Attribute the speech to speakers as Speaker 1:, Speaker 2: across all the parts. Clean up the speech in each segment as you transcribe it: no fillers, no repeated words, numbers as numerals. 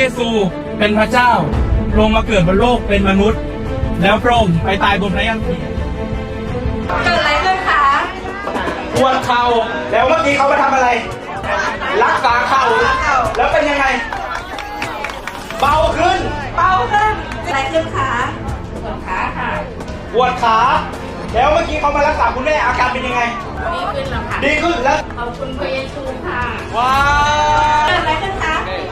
Speaker 1: ซูเป็นพระเจ้าลงมาเกิดบนโลกเป็นมนุษย์ แล้วพระองค์ไปตายบนพระยันตี
Speaker 2: เกิดอะไรขึ้นคะ
Speaker 1: ปวดเข่าแล้วเมื่อกี้เขามาทำอะไร รักษาเข่าแล้วเป็นยังไง เบาขึ้น
Speaker 2: เบาขึ้นเกิดอะไรขึ้นคะปวดขาค่ะ
Speaker 1: ปวดขาแล้วเมื่อกี้เขามารักษาคุณแม่อาการเป็นยังไง
Speaker 2: ดีขึ้นแล้วค่ะ
Speaker 1: ดีขึ้นแล้ว
Speaker 2: ขอบคุณพระเยซูค่ะ
Speaker 1: ว้า
Speaker 2: เกิดอะไรขึ้นคะ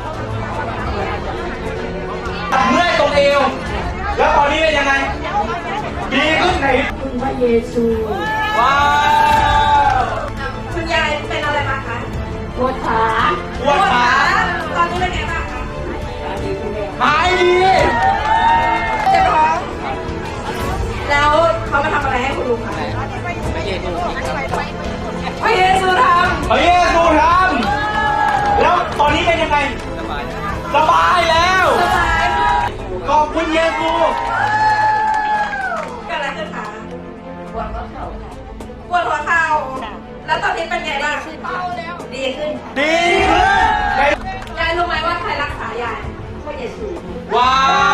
Speaker 1: เมื่อยตรงเอวแล้วตอนนี้เป็นยังไง ดีขึ้นไหน
Speaker 2: คุณพระเยซู
Speaker 1: ว้าว
Speaker 2: คุณยายเป็นอะไรมาคะปวดขา
Speaker 1: ปวดขา
Speaker 2: ตอนนี้เป็นไงบ้างคะ
Speaker 1: หายดี
Speaker 2: เจ็บท้องแล้วเขามาทำอะไรให้คุณลุงคะพระเยซูท
Speaker 1: พระเยซูทำแล้วตอนนี้เป็นยังไง สบายแล้ว
Speaker 2: ำสบาย
Speaker 1: ขอบคุณเยซู
Speaker 2: เกิดอะไรขึ้นคะปวดหัวเข่าปวดหัวเข่าแล้วตอนนี้เป็นไงบ้างเบาแล้วดีขึ้น
Speaker 1: ดีขึ้น
Speaker 2: ยายรู้ไหมว่าใครรักษายายพระเยซู
Speaker 1: ว้าว